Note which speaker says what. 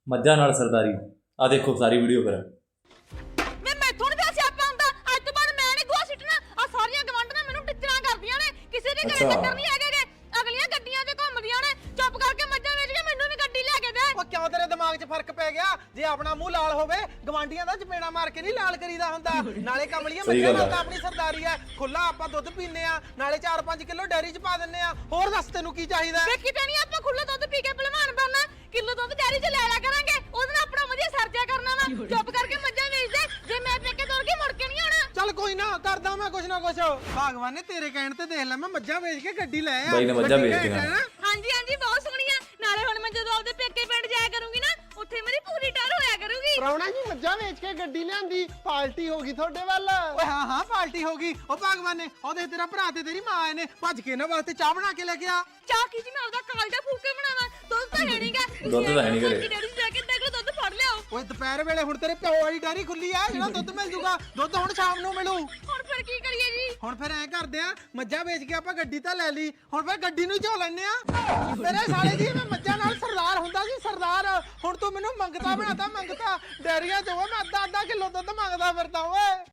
Speaker 1: ਮੱਝਾਂ ਨਾਲ ਸਰਦਾਰੀ। ਆ ਦੇਖੋ ਸਾਰੀ ਵੀਡੀਓ ਫਿਰ।
Speaker 2: ਮੈਂ ਮੈਥੋਂ ਨੀ ਪਿਆ ਸਿਆਪਾ ਹੁੰਦਾ। ਅੱਜ ਤੋਂ ਬਾਅਦ ਮੈਂ ਨੀ ਗੋਹਾ ਸਿੱਟਣਾ। ਆ ਸਾਰੀਆਂ ਗਵਾਂਢਣਾਂ ਮੈਨੂੰ ਟਿੱਚਰਾਂ ਕਰਦੀਆਂ ਨੇ। ਕਿਸੇ ਦੇ ਘਰੇ ਡੰਗਰ ਨਹੀਂ ਹੈਗੇ ਗੇ। ਅਗਲੀਆਂ ਗੱਡੀਆਂ 'ਚ ਘੁੰਮਦੀਆਂ ਨੇ। ਚੁੱਪ ਕਰਕੇ ਮੱਝਾਂ ਵੇਚ ਕੇ ਮੈਨੂੰ ਵੀ ਗੱਡੀ ਲੈ ਕੇ ਦੇ।
Speaker 3: ਉਹ ਕਿਉਂ ਤੇਰੇ ਦਿਮਾਗ 'ਚ ਫਰਕ ਪੈ ਗਿਆ? ਜੇ ਆਪਣਾ ਮੂੰਹ ਲਾਲ ਹੋਵੇ ਗਵਾਂਡੀਆਂ ਦਾ ਚਪੇੜਾ ਮਾਰ ਕੇ ਨਹੀਂ ਲਾਲ ਕਰੀਦਾ ਹੁੰਦਾ। ਨਾਲੇ ਕਮਲੀਆਂ ਮੱਝਾਂ ਨਾਲ ਤਾਂ ਆਪਣੀ ਸਰਦਾਰੀ ਹੈ। ਖੁੱਲਾ ਆਪਾਂ ਦੁੱਧ ਪੀਨੇ ਆ, ਨਾਲੇ 4-5 ਕਿਲੋ ਡੈਰੀ 'ਚ ਪਾ ਦਿੰਨੇ ਆ। ਹੋਰ ਦੱਸ ਤੈਨੂੰ ਕੀ ਚਾਹੀਦਾ?
Speaker 2: ਵੇਖੀ ਤੇ ਨਹੀਂ ਆਪਾਂ ਖੁੱਲਾ ਦੁੱਧ ਪੀ ਕੇ ਭਲਵਾਨ ਬਣਨਾ। ਕਿਲੋ ਦੁੱਧ ਡੈਰੀ 'ਚ ਲੈ ਲਿਆ ਕਰਾਂਗੇ। ਉਹਦੇ ਨਾਲ ਆਪਣਾ ਵਧੀਆ ਸਰਜਾ ਕਰਨਾ ਵਾ। ਚੁੱਪ ਕਰਕੇ ਮੱਝਾਂ ਵੇਚ ਦੇ। ਜੇ ਮੈਂ ਪੇਕੇ ਤੁਰ ਗਈ ਮੁੜ ਕੇ ਨਹੀਂ ਆਉਣਾ।
Speaker 3: ਚੱਲ ਕੋਈ ਨਾ, ਕਰਦਾ ਮੈਂ ਕੁਛ ਨਾ ਕੁਛ। ਭਗਵਾਨ ਨੇ ਤੇਰੇ ਕਹਿਣ ਤੇ ਦੇਖ ਲੈ ਮੈਂ ਮੱਝਾਂ ਵੇਚ ਕੇ ਗੱਡੀ ਲੈ ਆ।
Speaker 1: ਬਾਈ ਨੇ ਮੱਝਾਂ ਵੇਚਤੀਆਂ।
Speaker 2: ਹਾਂਜੀ ਹਾਂਜੀ ਬਹੁਤ ਸੋਹਣੀਆਂ। ਨਾਲੇ ਹੁਣ ਮੈਂ ਜਦੋਂ ਆਪਦੇ ਪੇਕੇ ਪਿੰਡ ਜਾਇਆ ਕਰੂੰਗੀ ਨਾ, ਉੱਥੇ ਮੇਰੀ ਪੂਰੀ ਟਰ ਹੋਇਆ ਕਰੂਗੀ।
Speaker 4: ਪ੍ਰਾਹੁਣਾ ਜੀ ਮੱਝਾਂ ਵੇਚ ਕੇ ਗੱਡੀ ਲਿਆਂਦੀ, ਪਾਰਟੀ ਹੋ ਗਈ ਤੁਹਾਡੇ ਵੱਲ।
Speaker 3: ਓਏ ਹਾਂ ਹਾਂ ਪਾਰਟੀ ਹੋ ਗਈ। ਉਹ ਭਗਵਾਨ ਨੇ ਉਹਦੇ ਤੇਰਾ ਭਰਾ ਤੇ ਤੇਰੀ ਮਾਂ ਆਏ ਨੇ, ਭੱਜ ਕੇ ਇਹਨਾਂ ਵਾਸਤੇ ਚਾਹ ਬਣਾ ਕੇ ਲੈ ਕੇ ਆ।
Speaker 2: ਚਾਹ ਕੀ ਜੀ ਮੈਂ ਆਪਦਾ ਕਾਲਜਾ ਫੂਕ ਕੇ ਬਣਾਵਾਂ? ਦੁੱਧ ਤਾਂ ਹੈ ਨਹੀਂਗਾ।
Speaker 1: ਦੁੱਧ ਤਾਂ ਹੈ ਨੀ ਘਰੇ।
Speaker 2: ਡੈਡੀ ਜਾ ਕੇ ਦੇਖ ਲਓ, ਦੁੱਧ ਫੜ ਲਿਆਓ।
Speaker 3: ਓਏ ਦੁਪਹਿਰ ਵੇਲੇ ਹੁਣ ਤੇਰੇ ਪਿਓ ਵਾਲੀ ਡੈਰੀ ਖੁੱਲੀ ਆ, ਜਿਹੜਾ ਦੁੱਧ ਮਿਲ ਜੂਗਾ। ਦੁੱਧ ਹੁਣ ਸ਼ਾਮ ਨੂੰ ਮਿਲੂ।
Speaker 2: ਹੁਣ ਫਿਰ ਕੀ ਕਰੀਏ ਜੀ?
Speaker 3: ਹੁਣ ਫਿਰ ਐਂ ਕਰਦੇ ਆ, ਮੱਝਾਂ ਵੇਚ ਕੇ ਆਪਾਂ ਗੱਡੀ ਤਾਂ ਲੈ ਲਈ, ਹੁਣ ਫਿਰ ਗੱਡੀ ਨੂੰ ਝੋ ਲੈਣੇ ਆ। ਮੇਰੇ ਸਾਲੇ ਜੀ ਮੈਂ ਮੱਝਾਂ ਨਾਲ ਸਰਦਾਰ ਹੁੰਦਾ ਸੀ, ਸਰਦਾਰ। ਹੁਣ ਤੂੰ ਮੈਨੂੰ ਮੰਗਤਾ ਬਣਾਤਾ, ਮੰਗਤਾ। ਡੈਰੀਆਂ ਚੋਂ ਮੈਂ ਅੱਧਾ ਕਿਲੋ ਦੁੱਧ ਮੰਗਦਾ ਫਿਰਦਾ ਓਏ।